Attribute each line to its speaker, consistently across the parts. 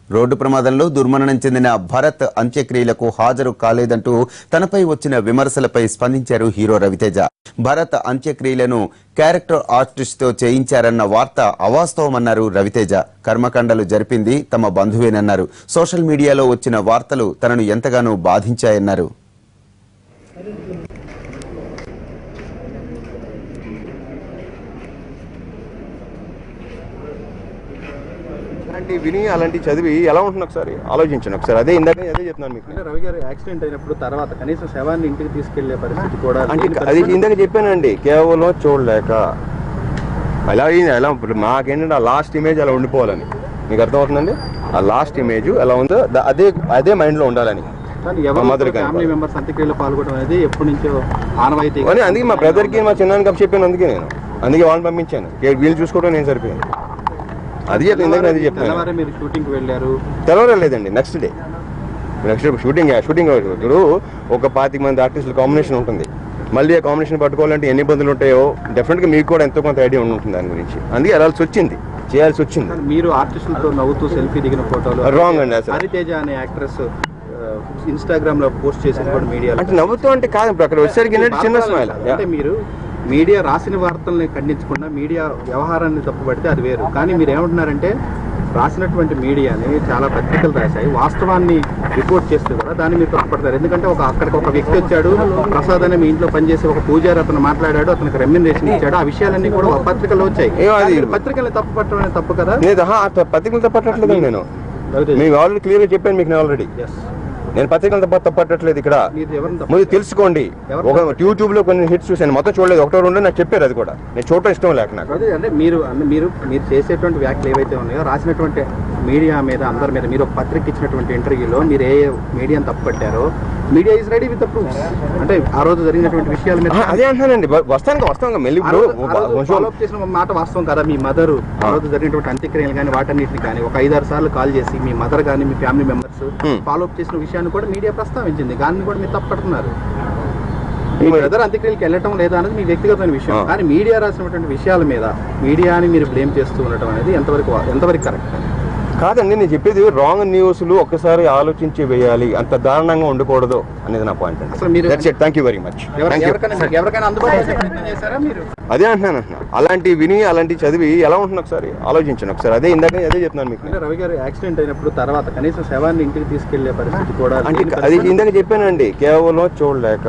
Speaker 1: Road ప్రమాదంలో దుర్మరణం చెందిన భరత్ అంత్యక్రియలకు హాజరు కాలేదంటూ తనపై వచ్చిన విమర్శలపై స్పందించారు హీరో రవితేజ. భరత్ అంత్యక్రియలను క్యారెక్టర్ ఆర్టిస్ట్ తో చేయించారన్న వార్త అవాస్తవమన్నారు రవితేజ. కర్మకాండలు జరిపింది తమ బంధువేనన్నారు. సోషల్ మీడియాలో వచ్చిన వార్తలు తనను ఎంతగానో బాధించాయన్నారు.
Speaker 2: విని అలాంటి చదివి ఎలా ఉంటుంది ఒకసారి ఆలోచించండి. ఒకసారి అదే చెప్తున్నాను మీకు.
Speaker 3: రవి గారు యాక్సిడెంట్ అయినప్పుడు తర్వాత కనీసం శవాన్ని ఇంటికి తీసుకెళ్లే పరిస్థితి కూడా
Speaker 2: అంటే అది ఇందాక చెప్పానండి, కేవలం చూడలేక ఎలా మాకేంటంటే ఆ లాస్ట్ ఇమేజ్ అలా ఉండిపోవాలని. మీకు అర్థమవుతుందండి? ఆ లాస్ట్ ఇమేజ్ ఎలా ఉందో అదే మైండ్ లో ఉండాలని.
Speaker 3: ఫ్యామిలీ మెంబర్స్ అంత్యక్రియలో పాల్గొనడం అనేది ఎప్పటి నుంచో ఆనవాయితీ.
Speaker 2: అందుకే మా బ్రదర్ కి మా చిన్నానికి అప్పు చెప్పాను. అందుకే వాళ్ళని పంపించాను. వీళ్ళు చూసుకోవడం నేను సరిపోయాను. అది చెప్తాను.
Speaker 3: మీరు షూటింగ్ వెళ్ళారు?
Speaker 2: తెలవలేదండి. నెక్స్ట్ డే షూటింగ్ ఇప్పుడు ఒక 25 మంది ఆర్టిస్టుల కాంబినేషన్ ఉంటుంది. మళ్ళీ ఆ కాంబినేషన్ పట్టుకోవాలంటే ఎన్ని ఇబ్బందులు ఉంటాయో డెఫినెట్గా మీకు కూడా ఎంతో కొంత ఐడియా ఉంటుంది దాని గురించి. అందుకే చేయాల్సి వచ్చింది.
Speaker 3: మీరు ఆర్టిస్టులతో నవ్వుతూ సెల్ఫీ దిగిన ఫోటోలు
Speaker 2: రాంగ్ అండి. అసలు
Speaker 3: హరితేజ అనే యాక్ట్రెస్ ఇన్స్టాగ్రామ్ లో పోస్ట్ చేసింది కూడా మీడియా.
Speaker 2: అంటే నవ్వుతూ అంటే కాదు, ఇప్పుడు అక్కడ వచ్చేసరికి చిన్న స్మైల్.
Speaker 3: అంటే మీరు మీడియా రాసిన వార్తల్ని ఖండించకుండా మీడియా వ్యవహారాన్ని తప్పుపడితే అది వేరు. కానీ మీరు ఏమంటున్నారంటే రాసినటువంటి మీడియాని చాలా పత్రికలు రాశాయి, వాస్తవాన్ని రిపోర్ట్ చేస్తూ కూడా దాన్ని మీరు తప్పుపడతారు. ఎందుకంటే అక్కడికి ఒక వ్యక్తి వచ్చాడు, ప్రసాద్ అనే మీ ఇంట్లో పనిచేసే ఒక పూజారి, అతను మాట్లాడాడు, అతనికి రెమ్యునరేషన్ ఇచ్చాడు, ఆ విషయాలన్నీ కూడా ఒక పత్రికలో వచ్చాయి. పత్రికల్ని తప్పుపట్టడం అనేది తప్పు కదా?
Speaker 2: పత్రికలు తప్పట్లేదు. నేను మీకు ఆల్రెడీ క్లియర్గా చెప్పాను. మీకు నేను పత్రికలు తప్పట్లేదు. ఇక్కడ మీరు తెలుసుకోండి. ఒక యూట్యూబ్ లో కొన్ని హిట్స్ చూసాను, మొత్తం చూడలేదు, ఒకటో రెండు నాకు చెప్పారు. అది కూడా నేను చూడటం ఇష్టం లేక నాకు.
Speaker 3: అంటే మీరు చేసేటువంటి వ్యాఖ్యలు ఏవైతే ఉన్నాయో రాసినటువంటి మీడియా మీద అందరి మీద మీరు ఒక పత్రిక ఇచ్చినటువంటి ఇంటర్వ్యూలో మీరు ఏ మీడియాని తప్పుపట్టారో media is ready with proof. అంటే ఆ రోజు జరిగినటువంటి విషయాల మీద
Speaker 2: అదే అంటానండి. వస్తాను మళ్ళీ
Speaker 3: ఫాలో అప్ చేసిన మాట వాస్తవం కదా? మీ మదర్ ఆ రోజు జరిగినటువంటి అంత్యక్రియలు కానీ వాటన్నిటిని కానీ ఒక 5-6 సార్లు కాల్ చేసి మీ మదర్ కానీ మీ ఫ్యామిలీ మెంబర్స్ ఫాలో అప్ చేసిన విషయాన్ని కూడా మీడియా ప్రస్తావించింది. దాన్ని కూడా మీరు తప్పడుతున్నారు. మీ బ్రదర్ అంత్యక్రియలకు వెళ్ళటం లేదా అనేది మీ వ్యక్తిగతమైన విషయం. కానీ మీడియా రాసినటువంటి విషయాల మీద మీడియాని మీరు బ్లేమ్ చేస్తూ ఉండటం అనేది ఎంతవరకు కరెక్ట్
Speaker 2: కాదండి. నేను చెప్పేది రాంగ్ న్యూస్లు ఒక్కసారి ఆలోచించి వేయాలి, అంత దారుణంగా ఉండకూడదు అనేది నా పాయింట్ అండి. Thank you very much. అదే అంటున్నాను. అలాంటి చదివి ఎలా ఉంటుంది ఒకసారి ఆలోచించండి. ఒకసారి అదే చెప్తున్నాను మీకు.
Speaker 3: రవి గారు యాక్సిడెంట్ అయినప్పుడు తర్వాత కనీసం శవాన్ని ఇంటికి తీసుకెళ్లే పరిస్థితి కూడా.
Speaker 2: అంటే అది ఇందాక చెప్పానండి, కేవలం చూడలేక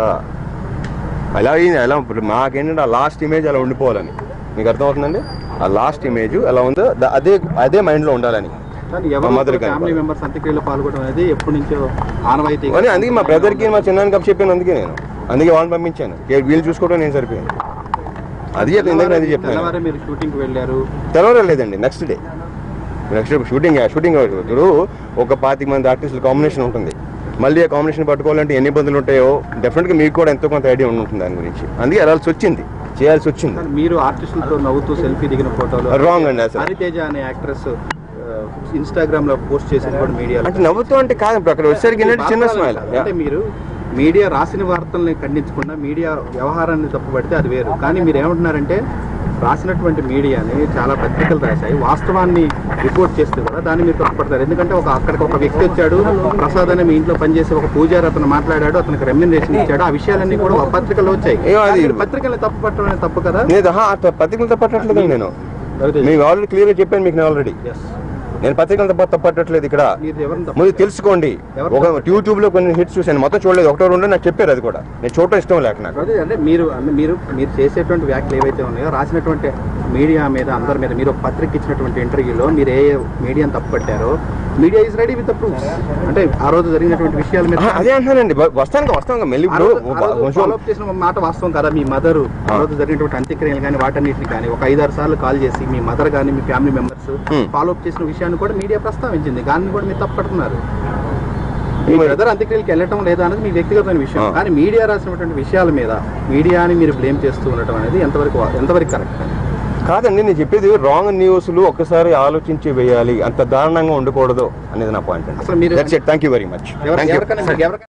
Speaker 2: మాకేంటంటే ఆ లాస్ట్ ఇమేజ్ అలా ఉండిపోవాలని. మీకు అర్థమవుతుందండి? ఆ లాస్ట్ ఇమేజ్ ఎలా ఉందో అదే మైండ్ లో ఉండాలని.
Speaker 3: ఫ్యామిలీ మెంబర్స్ అంత్యక్రియలో పాల్గొనడం అనేది ఎప్పటి నుంచో ఆనవాయితీ.
Speaker 2: అందుకే మా బ్రదర్ కి మా చిన్నానికి అప్పు చెప్పాను. అందుకే వాళ్ళని పంపించాను. వీళ్ళు చూసుకోవడం నేను సరిపోయాను. అది చెప్తాను.
Speaker 3: మీరు షూటింగ్ వెళ్ళారు?
Speaker 2: తెలవలేదండి. నెక్స్ట్ డే షూటింగ్ ఇప్పుడు ఒక 25 మంది ఆర్టిస్టుల కాంబినేషన్ ఉంటుంది. మళ్ళీ ఆ కాంబినేషన్ పట్టుకోవాలంటే ఎన్ని ఇబ్బందులు ఉంటాయో డెఫినెట్గా మీకు కూడా ఎంతో కొంత ఐడియా ఉంటుంది దాని గురించి. అందుకే చేయాల్సి వచ్చింది.
Speaker 3: మీరు ఆర్టిస్టులతో నవ్వుతూ సెల్ఫీ దిగిన ఫోటోలు
Speaker 2: రాంగ్ అండి. అసలు
Speaker 3: హరితేజ అనే యాక్ట్రెస్ ఇన్స్టాగ్రామ్ లో పోస్ట్ చేసింది కూడా మీడియా.
Speaker 2: అంటే నవ్వుతూ అంటే కాదు, ఇప్పుడు అక్కడ వచ్చేసరికి చిన్న స్మైల్.
Speaker 3: అంటే మీరు మీడియా రాసిన వార్తల్ని ఖండించకుండా మీడియా వ్యవహారాన్ని తప్పుపడితే అది వేరు. కానీ మీరు ఏమంటున్నారంటే రాసినటువంటి మీడియాని చాలా పత్రికలు రాశాయి, వాస్తవాన్ని రిపోర్ట్ చేస్తూ కూడా దాన్ని మీరు తప్పుపడతారు. ఎందుకంటే అక్కడికి ఒక వ్యక్తి వచ్చాడు, ప్రసాద్ అనే మీ ఇంట్లో పనిచేసే ఒక పూజారి, అతను మాట్లాడాడు, అతనికి రెమ్యునరేషన్ ఇచ్చాడు, ఆ విషయాలన్నీ కూడా ఒక పత్రికలో వచ్చాయి. పత్రికల్ని తప్పుపట్టడం అనేది తప్పు కదా?
Speaker 2: పత్రికలు తప్పట్లేదు. నేను మీకు ఆల్రెడీ క్లియర్గా చెప్పాను. మీకు నేను పత్రికలు తప్పట్లేదు. ఇక్కడ మీరు తెలుసుకోండి. ఒక యూట్యూబ్ లో కొన్ని హిట్స్ చూసాను, మొత్తం చూడలేదు, ఒకటో రెండు నాకు చెప్పారు. అది కూడా నేను చూడటం ఇష్టం లేక నాకు.
Speaker 3: అంటే మీరు చేసేటువంటి వ్యాఖ్యలు ఏవైతే ఉన్నాయో రాసినటువంటి మీడియా మీద అందరి మీద మీరు ఒక పత్రిక ఇచ్చినటువంటి ఇంటర్వ్యూలో మీరు ఏ మీడియాని తప్పుపట్టారో media is ready with proof. అంటే ఆ రోజు జరిగినటువంటి విషయాల మీద
Speaker 2: అదే అంటానండి. వస్తాను మళ్ళీ
Speaker 3: ఫాలో అప్ చేసిన మాట వాస్తవం కదా? మీ మదర్ ఆ రోజు జరిగినటువంటి అంత్యక్రియలు కానీ వాటన్నిటిని కానీ ఒక 5-6 సార్లు కాల్ చేసి మీ మదర్ కానీ మీ ఫ్యామిలీ మెంబర్స్ ఫాలో అప్ చేసిన విషయాన్ని కూడా మీడియా ప్రస్తావించింది. దాన్ని కూడా మీరు తప్పుపడుతున్నారు. మీ బ్రదర్ అంత్యక్రియలకు వెళ్ళటం లేదా అనేది మీ వ్యక్తిగతమైన విషయం. కానీ మీడియా రాసినటువంటి విషయాల మీద మీడియాని మీరు బ్లేమ్ చేస్తూ ఉండటం అనేది ఎంతవరకు కరెక్ట్
Speaker 2: కాదండి. నేను చెప్పేది రాంగ్ న్యూస్లు ఒక్కసారి ఆలోచించి వేయాలి, అంత దారుణంగా ఉండకూడదు అనేది నా పాయింట్ అండి. Thank you very much.